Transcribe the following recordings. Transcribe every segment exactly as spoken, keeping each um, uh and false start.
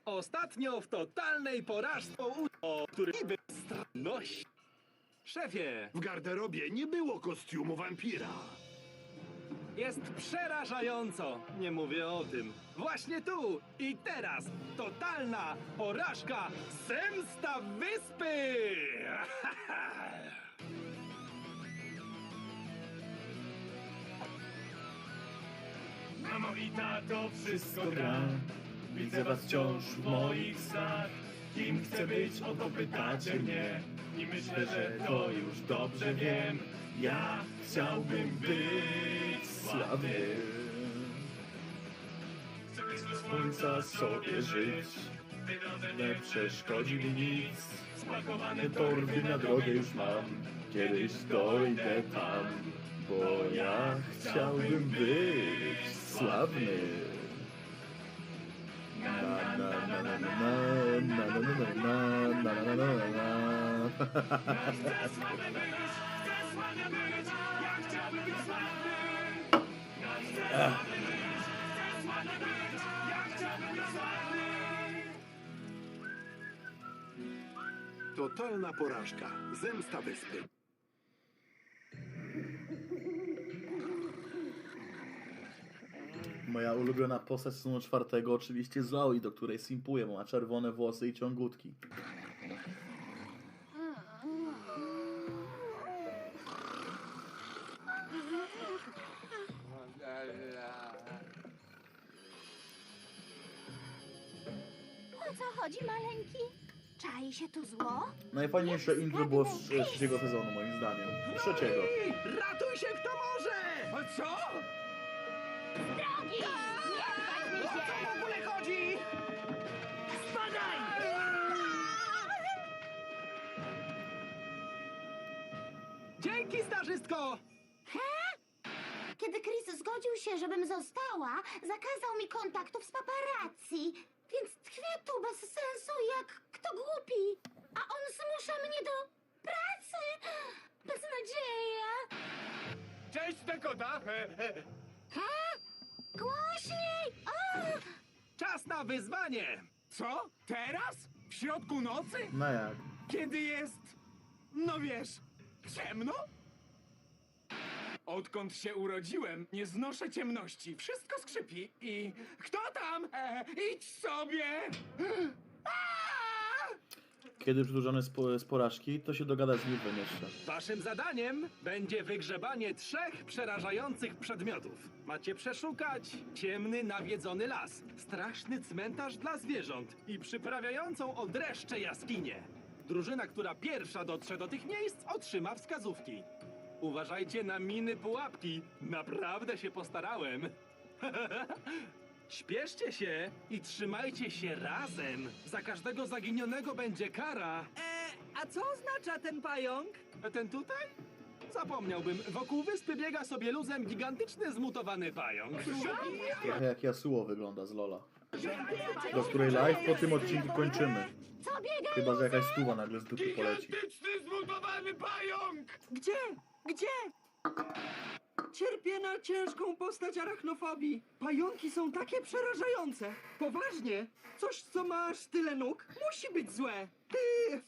Ostatnio w totalnej porażce o który bezstronność. Szefie, W garderobie nie było kostiumu wampira. jest przerażająco. Nie mówię o tym. Właśnie tu i teraz totalna porażka, zemsta wyspy! Mamo i tato, wszystko gra. Widzę was wciąż w moich snach. Kim chcę być, o to pytacie mnie. I myślę, że to już dobrze wiem. Ja chciałbym być sławny. Chcę być do słońca sobie żyć. Nie przeszkodzi mi nic. Spakowane torby na drogę już mam. Kiedyś dojdę tam. Bo ja chciałbym być sławny. Na na na na na na na na na na na na na na. Chcę sławny być, chcę sławny być, ja chciałbym być sławny. Chcę sławny być, chcę sławny być, ja chciałbym być sławny. Totalna porażka. Zemsta wyspy. Moja ulubiona postać sezonu czwartego oczywiście Zoe, do której simpuję, bo ma czerwone włosy i ciągutki. O co chodzi, maleńki? Czai się tu zło? Najfajniejsze intro było z z trzeciego sezonu, moim zdaniem. Z trzeciego. Ej, ratuj się kto może! A co? Drogi! Nie wpadźmy O co w ogóle chodzi? Spadaj! Dzięki, starzystko! Kiedy Chris zgodził się, żebym została, zakazał mi kontaktów z paparazzi. Więc tkwię tu bez sensu jak kto głupi. A on zmusza mnie do pracy. Beznadzieja. Cześć, Dakota! Ha? Głośniej! O! Czas na wyzwanie! Co? Teraz? W środku nocy? No jak? Kiedy jest... no wiesz, ciemno? Odkąd się urodziłem, nie znoszę ciemności. Wszystko skrzypi i... Kto tam? E, idź sobie! Aaa! Kiedy przydłużony z, po- z porażki, to się dogadać z Liwem jeszcze. Waszym zadaniem będzie wygrzebanie trzech przerażających przedmiotów. Macie przeszukać ciemny, nawiedzony las, straszny cmentarz dla zwierząt i przyprawiającą o dreszcze jaskinię. Drużyna, która pierwsza dotrze do tych miejsc, otrzyma wskazówki. Uważajcie na miny pułapki. Naprawdę się postarałem. Śpieszcie się i trzymajcie się razem. Za każdego zaginionego będzie kara. E, a co oznacza ten pająk? Ten tutaj? Zapomniałbym. Wokół wyspy biega sobie luzem gigantyczny, zmutowany pająk. Trochę jak Yasuo wygląda z Lola. Do której live po tym odcinku kończymy. Co biega? Chyba, że jakaś stuwa nagle z dupy poleci. Gigantyczny, zmutowany pająk! Gdzie? Gdzie? Cierpię na ciężką postać arachnofobii. Pająki są takie przerażające. Poważnie. Coś, co masz tyle nóg, musi być złe. Ty...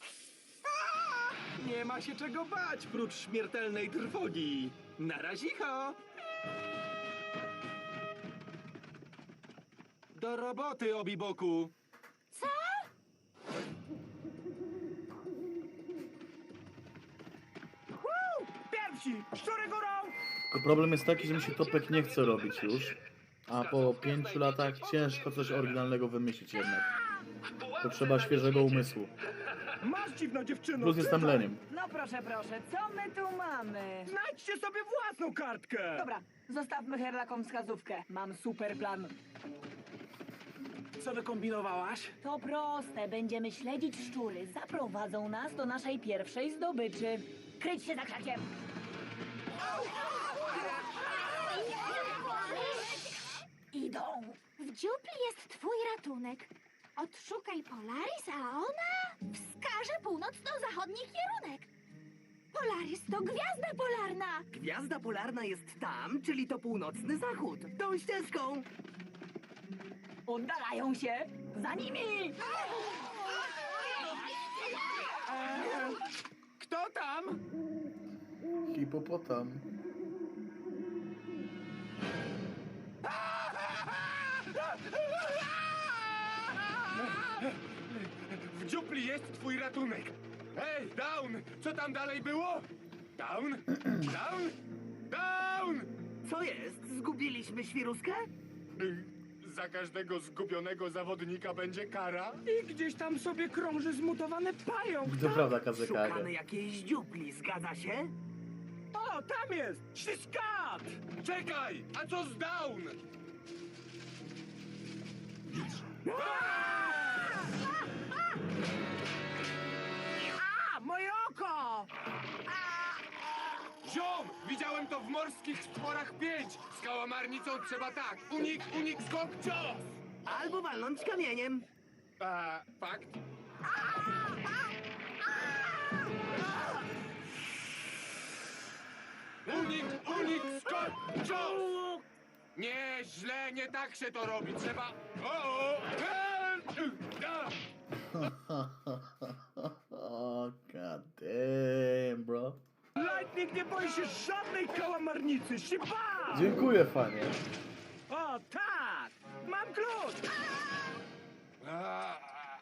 Nie ma się czego bać, prócz śmiertelnej trwogi. Na razicho! Do roboty, Obiboku. Co? Pierwsi! Szczury górą! Tylko problem jest taki, że mi się Topek nie chce robić już. A po pięciu latach ciężko coś oryginalnego wymyślić jednak. Potrzeba świeżego umysłu. Masz dziwna dziewczyno! Plus jestem leniem. No proszę, proszę, co my tu mamy? Znajdźcie sobie własną kartkę! Dobra, zostawmy Herlakom wskazówkę. Mam super plan. Co wykombinowałaś? To proste, będziemy śledzić szczury. Zaprowadzą nas do naszej pierwszej zdobyczy. Kryć się za krzakiem! Idą. W dziupli jest twój ratunek. Odszukaj Polaris, a ona wskaże północno-zachodni kierunek. Polaris to gwiazda polarna. Gwiazda polarna jest tam, czyli to północny zachód. Tą ścieżką. Oddalają się! Za nimi! Kto tam? Hipopotam. W dziupli jest twój ratunek. Hej, Down! Co tam dalej było? Down? Down? Down! Co jest? Zgubiliśmy świruskę? Y, Za każdego zgubionego zawodnika będzie kara? I gdzieś tam sobie krąży zmutowany pająk. To prawda, Kazekage. Szukamy jakiejś dziupli, zgadza się? O, tam jest! Śliskat! Czekaj! A co z Down? A, moje oko! Ziom! Widziałem to w morskich stworach pięć! Z kałamarnicą trzeba tak! Unik, unik, skok, cios! Albo walnąć kamieniem. A, fakt? Unik, unik, skok, cios! Nie, źle, nie tak się to robi. Trzeba... O, o, e, e, Oh, god damn, bro. Lightning nie boi się żadnej kałamarnicy! Sipa! Dziękuję, fanie. O, tak! Mam klucz! a.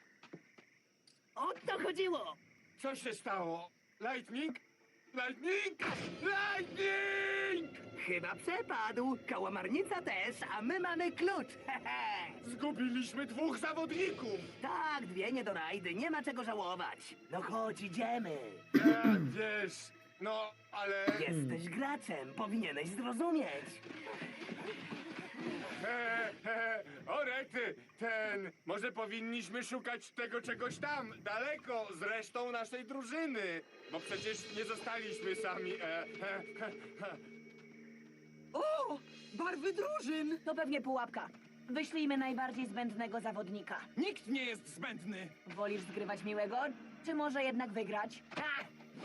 O to chodziło! Co się stało? Lightning? Lightning? Lightning! Chyba przepadł. Kałamarnica też, a my mamy klucz. Zgubiliśmy dwóch zawodników! Tak, dwie niedorajdy, nie ma czego żałować. No chodź, idziemy. Ja, wiesz, no, ale... Jesteś graczem, powinieneś zrozumieć. He, he, o rety, ten... Może powinniśmy szukać tego czegoś tam, daleko, z resztą naszej drużyny. Bo przecież nie zostaliśmy sami, e, he, he, he. O, barwy drużyn! To pewnie pułapka. Wyślijmy najbardziej zbędnego zawodnika. Nikt nie jest zbędny! Wolisz zgrywać miłego, czy może jednak wygrać? Ha!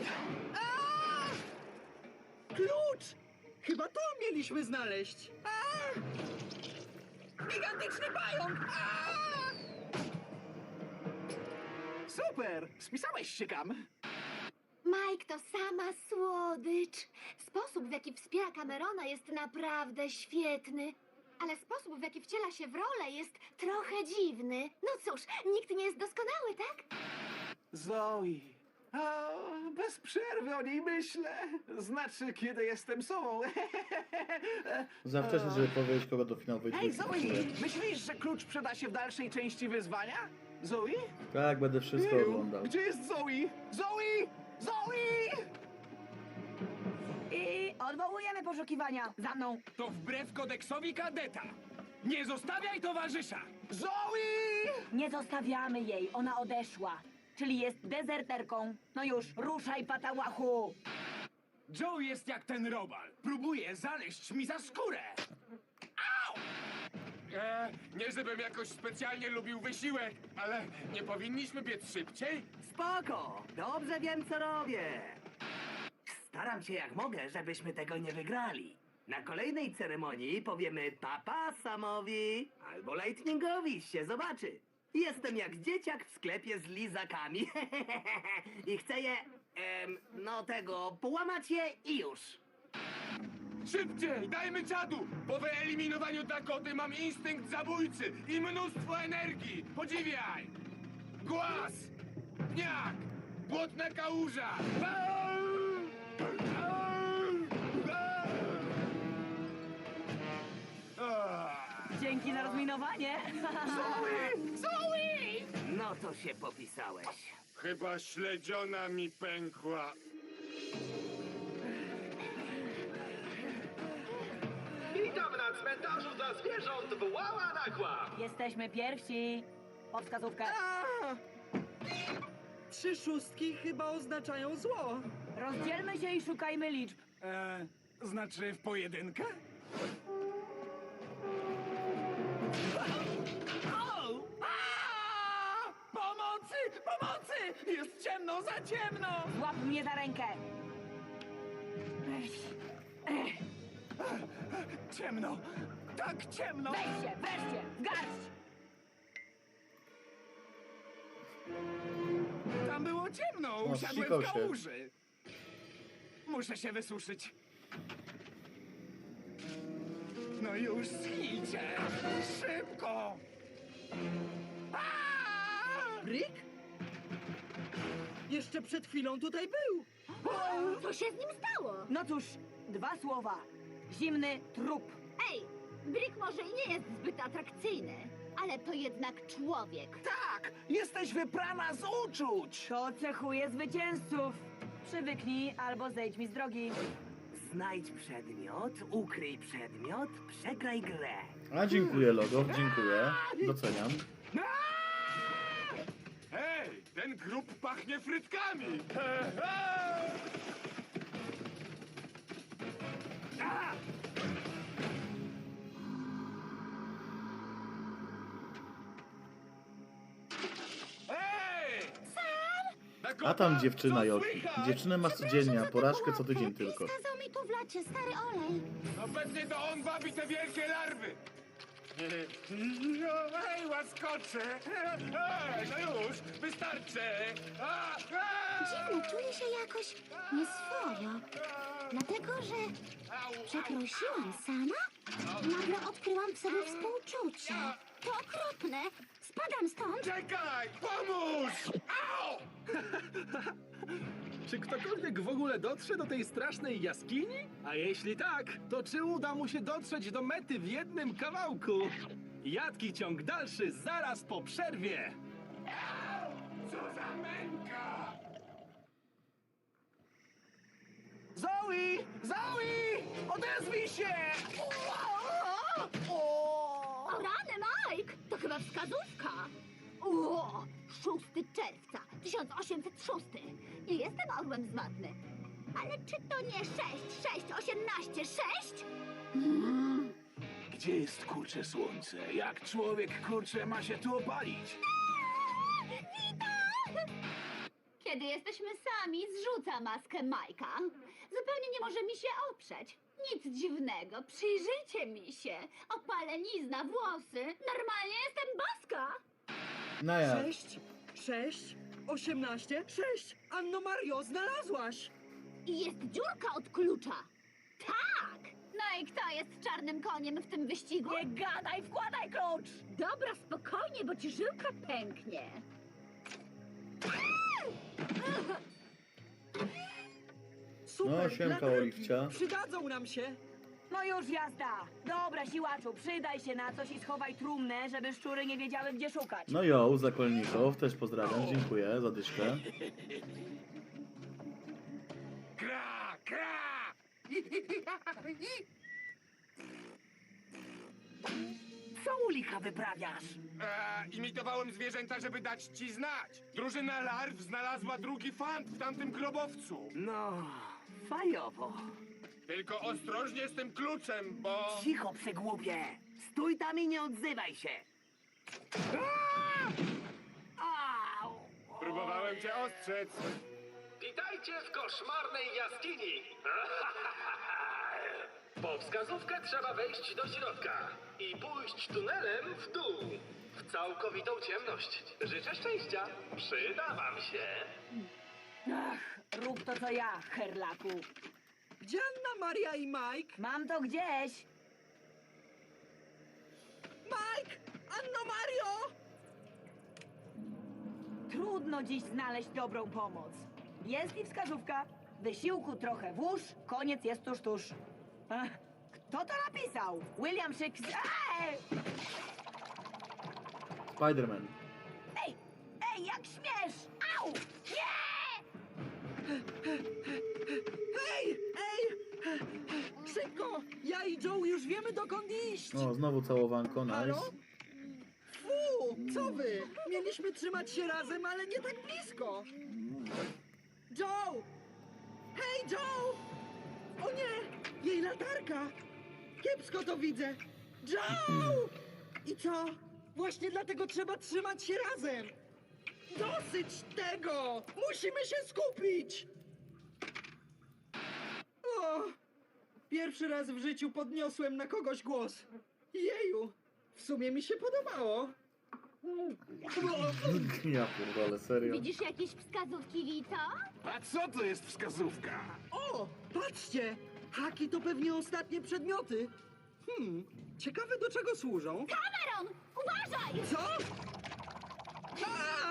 Klucz! Chyba to mieliśmy znaleźć. Gigantyczny pająk! Super! Spisałeś się, Kam? Mike to sama słodycz. Sposób, w jaki wspiera Camerona, jest naprawdę świetny. Ale sposób, w jaki wciela się w rolę, jest trochę dziwny. No cóż, nikt nie jest doskonały, tak? Zoe. A, bez przerwy o niej myślę. Znaczy, kiedy jestem sobą. Za wcześnie, żeby powiedzieć, kogo do finału wyjdzie. Hej, Zoe! Myślisz, że klucz przyda się w dalszej części wyzwania? Zoe? Tak, będę wszystko Jeju, oglądał. Gdzie jest Zoe? Zoe! Zoe! I odwołujemy poszukiwania. Za mną. To wbrew kodeksowi kadeta. Nie zostawiaj towarzysza! Zoe! Nie zostawiamy jej, ona odeszła. Czyli jest dezerterką. No już, ruszaj, patałachu! Joe jest jak ten robal. Próbuje zaleźć mi za skórę. E, nie żebym jakoś specjalnie lubił wysiłek, ale nie powinniśmy biec szybciej? Spoko, dobrze wiem, co robię. Staram się jak mogę, żebyśmy tego nie wygrali. Na kolejnej ceremonii powiemy papa Samowi albo Lightningowi, się zobaczy. Jestem jak dzieciak w sklepie z lizakami. I chcę je, em, no tego, połamać je i już. Szybciej, dajmy czadu! Po wyeliminowaniu Dakoty mam instynkt zabójcy i mnóstwo energii! Podziwiaj! Głaz! Pniak! Błotna kałuża! Au! Au! Au! Ah! Dzięki za rozminowanie. No to się popisałeś. Chyba śledziona mi pękła. Witam na cmentarzu dla zwierząt w Łała Nagła. Jesteśmy pierwsi. Po wskazówkę. Trzy szóstki chyba oznaczają zło. Rozdzielmy się i szukajmy liczb. E, znaczy w pojedynkę? Au! A! Pomocy! Pomocy! Jest ciemno, za ciemno! Złap mnie za rękę. Ciemno! Tak ciemno! Weź się, weź się, w garść! No, O, usiadłem wsikał w się. kałuży. Muszę się wysuszyć. No już schijcie! Szybko! Aaaa! Rick? Jeszcze przed chwilą tutaj był. Co się z nim stało? No cóż, dwa słowa. Zimny trup. Ej, Brick może i nie jest zbyt atrakcyjny, ale to jednak człowiek. Tak! Jesteś wyprana z uczuć! To cechuje zwycięzców. Przywyknij albo zejdź mi z drogi. Znajdź przedmiot, ukryj przedmiot, przegraj grę. A dziękuję, logo, dziękuję. Doceniam. Hej, ten grób pachnie frytkami! Ej! A tam dziewczyna Joki. Dziewczynę masz codziennie, a porażkę co tydzień tylko. Kazał mi tu wlać stary olej. Obecnie to on wabi te wielkie larwy! Ej, łaskocze! Ej, no już, wystarczy! A, a! Dziwnie, czuję się jakoś nieswojo. Dlatego, że przeprosiłam sama, nagle odkryłam w sobie współczucie. To okropne. Spadam stąd. Czekaj! Pomóż! Au! Czy ktokolwiek w ogóle dotrze do tej strasznej jaskini? A jeśli tak, to czy uda mu się dotrzeć do mety w jednym kawałku? Jadki ciąg dalszy zaraz po przerwie! Co za męka! Zoe! Zoe! Odezwij się! O rany, Mike! To chyba wskazówka. O, szóstego czerwca tysiąc osiemset szósty. Nie jestem orłem zmatny. Ale czy to nie sześć, sześć, osiemnaście, sześć? Gdzie jest kurcze słońce? Jak człowiek kurcze ma się tu opalić? Kiedy jesteśmy sami, zrzuca maskę Majka. Zupełnie nie może mi się oprzeć. Nic dziwnego, przyjrzyjcie mi się. Opalenizna, włosy. Normalnie jestem boska. No ja. Sześć, sześć, osiemnaście, sześć. Anno Mario, znalazłaś. I jest dziurka od klucza. Tak! No i kto jest czarnym koniem w tym wyścigu? Nie gadaj, wkładaj klucz! Dobra, spokojnie, bo ci żyłka pęknie. Super, No, siemka, latarki. Oliwcia. Przydadzą nam się. No już jazda! Dobra, siłaczu, przydaj się na coś i schowaj trumnę, żeby szczury nie wiedziały, gdzie szukać. No jo, zakolników, też pozdrawiam, dziękuję za dyszkę. Kra, kra! Co u licha wyprawiasz? E, imitowałem zwierzęta, żeby dać ci znać. Drużyna larw znalazła drugi fant w tamtym grobowcu. No, fajowo. Tylko ostrożnie z tym kluczem, bo... Cicho, przegłupie. Stój tam i nie odzywaj się. Au! Próbowałem cię ostrzec. Witajcie w koszmarnej jaskini! Po wskazówkę trzeba wejść do środka i pójść tunelem w dół, w całkowitą ciemność. Życzę szczęścia, przyda wam się. Ach, rób to co ja, herlaku. Gdzie Anna, Maria i Mike? Mam to gdzieś. Mike! Anno Mario! Trudno dziś znaleźć dobrą pomoc. Jest i wskazówka. Wysiłku trochę włóż, koniec jest tuż, tuż. Ach, kto to napisał? William Shakespeare. Ej! Spiderman. Ej, ej, jak śmiesz! Au! Nie! Hej! Ej! Szybko! Ja i Joe już wiemy, dokąd iść! O, znowu całowanko, Halo? nice. Fu! Co wy? Mieliśmy trzymać się razem, ale nie tak blisko! Joe! Hej, Joe! O nie! Jej latarka! Kiepsko to widzę! Joe! I co? Właśnie dlatego trzeba trzymać się razem! Dosyć tego! Musimy się skupić! O! Pierwszy raz w życiu podniosłem na kogoś głos. Jeju! W sumie mi się podobało. Ja pierdolę, serio. Widzisz jakieś wskazówki, Vito? A co to jest wskazówka? O, patrzcie! Haki to pewnie ostatnie przedmioty. Hmm, ciekawe do czego służą. Cameron, uważaj! Co? A!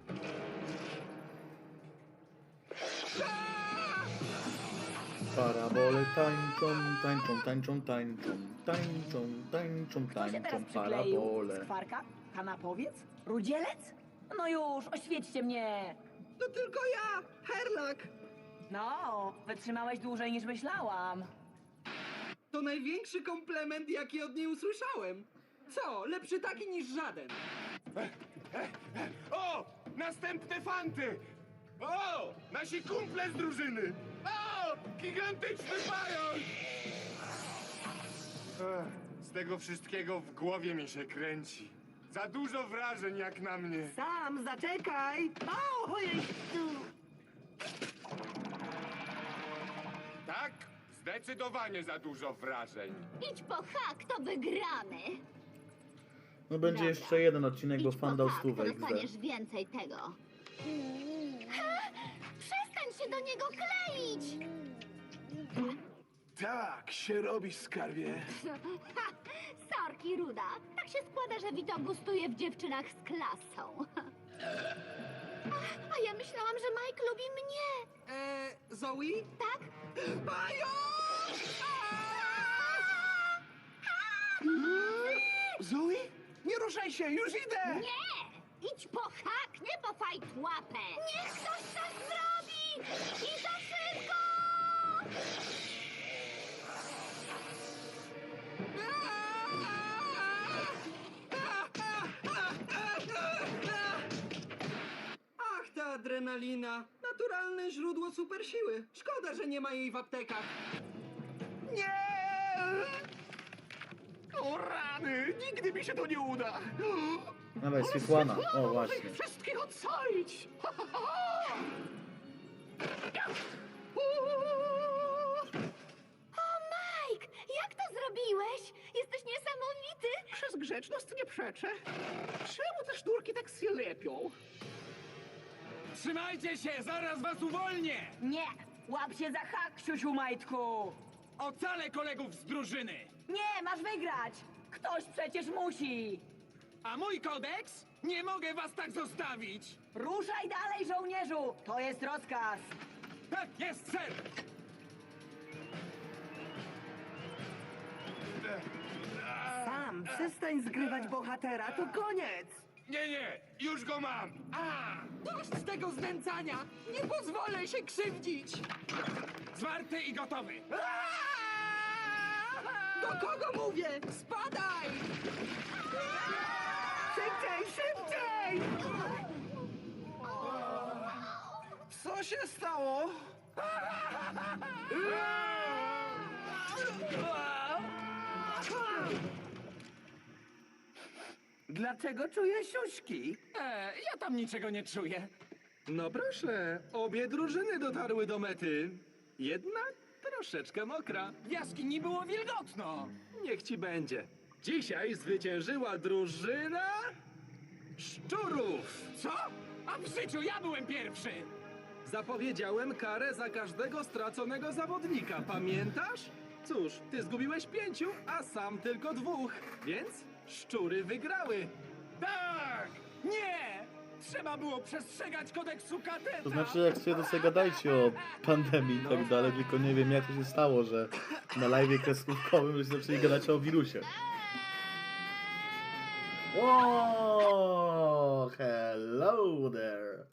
Parabole tańczą, tańczą, tańczą, tańczą, tańczą, tańczą, Kto się teraz tańczą, przykleił? parabole. Skwarka? Kanapowiec? Rudzielec? No już, oświećcie mnie! To tylko ja, Herlak. No, wytrzymałeś dłużej niż myślałam. To największy komplement, jaki od niej usłyszałem. Co, lepszy taki niż żaden. O! Następne fanty! O! Nasi kumple z drużyny! O! Gigantyczny pająk! Ech, z tego wszystkiego w głowie mi się kręci. Za dużo wrażeń jak na mnie. Sam, zaczekaj! O, ojej, tu. Tak? Zdecydowanie za dużo wrażeń. Idź po hak, to wygramy. No będzie Dobra. jeszcze jeden odcinek, bo Idź fan po dał hak, to stówę X D. dostaniesz więcej tego. Ha! Przestań się do niego kleić! Tak się robi, skarbie. Ha! Sorki, Ruda. Tak się składa, że Vito gustuje w dziewczynach z klasą. A ja myślałam, że Mike lubi mnie. Eee, Zoe? Tak? Pająk! Zoe? Nie ruszaj się, już idę! Nie! Idź po hak, nie po fajtłapę! Niech ktoś coś zrobi! I to szybko! Ach, ta adrenalina. Naturalne źródło supersiły. Szkoda, że nie ma jej w aptekach. Nie! O rany! Nigdy mi się to nie uda! Dawaj, Sweetłana. O, właśnie. Ich wszystkich ocalić! Ha, ha, ha! O, Mike! Jak to zrobiłeś? Jesteś niesamowity! Przez grzeczność nie przeczę. Czemu te sznurki tak się lepią? Trzymajcie się, zaraz was uwolnię! Nie! Łap się za hak, siusiu majtku! Ocalę kolegów z drużyny! Nie, masz wygrać! Ktoś przecież musi! A mój kodeks? Nie mogę was tak zostawić! Ruszaj dalej, żołnierzu! To jest rozkaz! Tak jest, ser! Sam, przestań zgrywać bohatera, to koniec! Nie, nie! Już go mam! A! Dość tego znęcania! Nie pozwolę się krzywdzić! Zwarty i gotowy! Do kogo mówię? Spadaj! Szybciej, szybciej! Co się stało? Dlaczego czuję siuśki? E, ja tam niczego nie czuję. No proszę, obie drużyny dotarły do mety. Jedna troszeczkę mokra. W jaskini było wilgotno. Niech ci będzie. Dzisiaj zwyciężyła drużyna szczurów. Co? A w życiu ja byłem pierwszy. Zapowiedziałem karę za każdego straconego zawodnika, pamiętasz? Cóż, ty zgubiłeś pięciu, a sam tylko dwóch, więc szczury wygrały. Tak! Nie! Trzeba było przestrzegać kodeksu kadeta! To znaczy, jak sobie to sobie gadajcie o pandemii i tak dalej, tylko nie wiem, jak to się stało, że na live'ie kreskówkowym żeście zaczęli gadać o wirusie. O, hello there.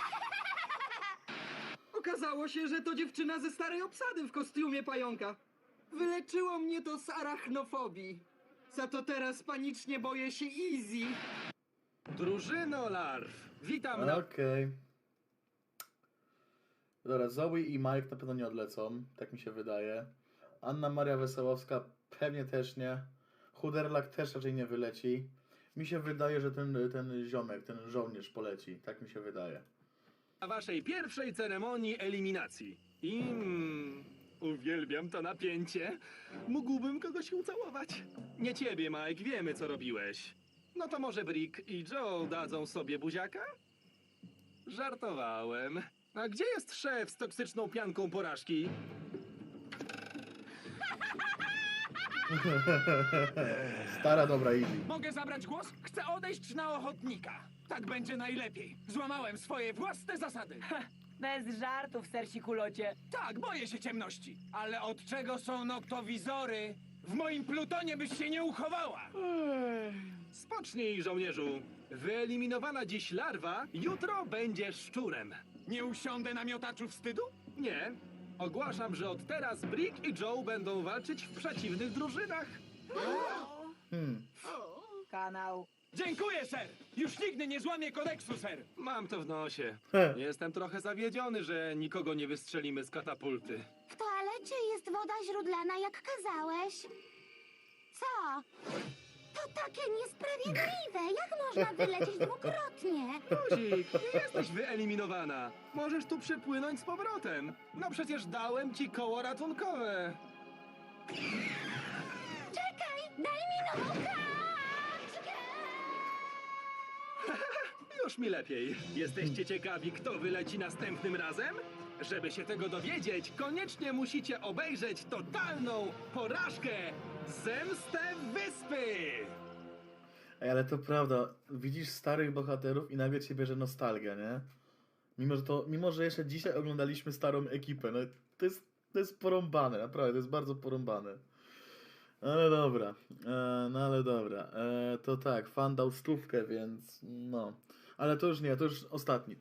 Okazało się, że to dziewczyna ze starej obsady w kostiumie pająka. Wyleczyło mnie to z arachnofobii. Za to teraz panicznie boję się Easy. Drużyno larw, witam na... Okej. Dobra, Zoe i Mike na pewno nie odlecą, tak mi się wydaje. Anna Maria Wesołowska pewnie też nie. Chuderlak też raczej nie wyleci. Mi się wydaje, że ten, ten ziomek, ten żołnierz poleci, tak mi się wydaje. na waszej pierwszej ceremonii eliminacji. I... Mm, uwielbiam to napięcie. Mógłbym kogoś ucałować. Nie ciebie, Mike, wiemy co robiłeś. No to może Brick i Joe dadzą sobie buziaka? Żartowałem. A gdzie jest szef z toksyczną pianką porażki? Stara dobra Easy. Mogę zabrać głos? Chcę odejść na ochotnika. Tak będzie najlepiej. Złamałem swoje własne zasady. Bez żartów, sercikulocie. Tak, boję się ciemności. Ale od czego są noktowizory? W moim plutonie byś się nie uchowała. Spocznij, żołnierzu. Wyeliminowana dziś larwa, jutro będzie szczurem. Nie usiądę na miotaczu wstydu? Nie. Ogłaszam, że od teraz Brick i Joe będą walczyć w przeciwnych drużynach. Hmm. Kanał. Dziękuję, ser. Już nigdy nie złamię kodeksu, ser. Mam to w nosie. He. Jestem trochę zawiedziony, że nikogo nie wystrzelimy z katapulty. W toalecie jest woda źródlana, jak kazałeś. Co? To takie niesprawiedliwe. Jak można wylecieć dwukrotnie? Luzik, nie jesteś wyeliminowana. Możesz tu przypłynąć z powrotem. No przecież dałem ci koło ratunkowe. Czekaj, daj mi nową kaczkę! Już mi lepiej. Jesteście ciekawi, kto wyleci następnym razem? Żeby się tego dowiedzieć, koniecznie musicie obejrzeć totalną porażkę Zemstę Wyspy! Ej, ale to prawda, widzisz starych bohaterów i nagle cię bierze nostalgia, nie? Mimo, że to, mimo, że jeszcze dzisiaj oglądaliśmy starą ekipę, no to jest, to jest porąbane, naprawdę, to jest bardzo porąbane. Ale dobra, e, no ale dobra, e, to tak, fan dał stówkę, więc no. Ale to już nie, to już ostatni.